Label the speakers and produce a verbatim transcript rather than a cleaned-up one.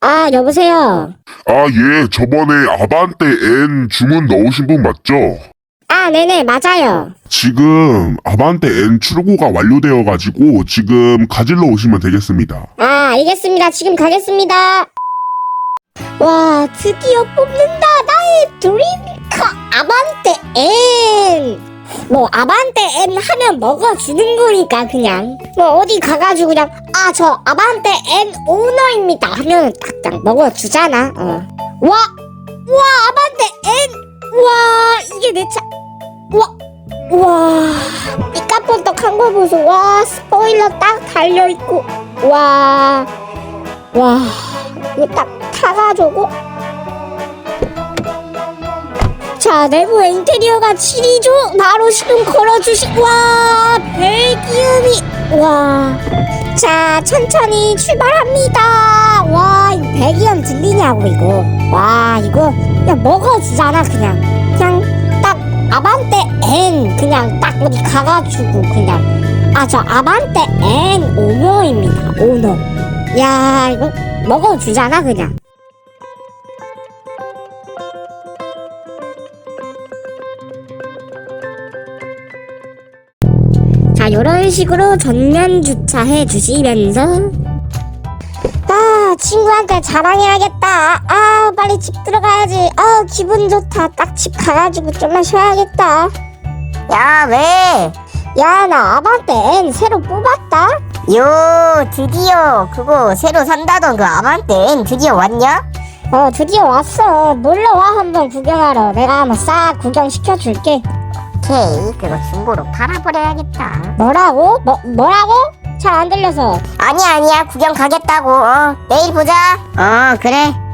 Speaker 1: 아, 여보세요?
Speaker 2: 아, 예, 저번에 아반떼 N 주문 넣으신 분 맞죠?
Speaker 1: 아, 네네, 맞아요.
Speaker 2: 지금 아반떼 N 출고가 완료되어가지고 지금 가질러 오시면 되겠습니다.
Speaker 1: 아, 알겠습니다. 지금 가겠습니다. 와, 드디어 뽑는다. 나의 드림카 아반떼 N. 뭐 아반떼 N 하면 먹어주는 거니까 그냥 뭐 어디 가가지고 그냥 아, 저 아반떼 N 오너입니다 하면 딱딱 먹어주잖아. 어. 와, 와, 아반떼 N. 와, 이게 내 차. 와, 와, 이 까뻔떡한 거 보소. 와, 스포일러 딱 달려있고. 와, 와, 이거 딱 타가지고. 자, 내부 인테리어가 칠이죠. 바로 시동 걸어주시. 와, 배기음이. 와, 자, 천천히 출발합니다. 와, 이거 배기음 들리냐고 이거. 와, 이거 그냥 먹어주잖아 그냥. 그냥 딱 아반떼 N 그냥 딱 어디 가가지고 그냥 아, 저 아반떼 N 오너입니다. 오너. 야, 이거 먹어주잖아 그냥. 자, 요런 식으로 전면 주차해 주시면서 아, 친구한테 자랑해야겠다. 아, 빨리 집 들어가야지. 아, 기분 좋다. 딱 집 가가지고 좀만 쉬어야겠다.
Speaker 3: 야, 왜?
Speaker 1: 야, 나 아반떼 N 새로 뽑았다.
Speaker 3: 요, 드디어 그거 새로 산다던 그 아반떼 N 드디어 왔냐?
Speaker 1: 어, 드디어 왔어. 놀러와 한번 구경하러. 내가 한번 싹 구경시켜줄게.
Speaker 3: 오케이, 그거 중고로 팔아버려야겠다.
Speaker 1: 뭐라고? 뭐, 뭐라고? 잘 안 들려서.
Speaker 3: 아니야, 아니야, 구경 가겠다고. 어, 내일 보자. 어, 그래.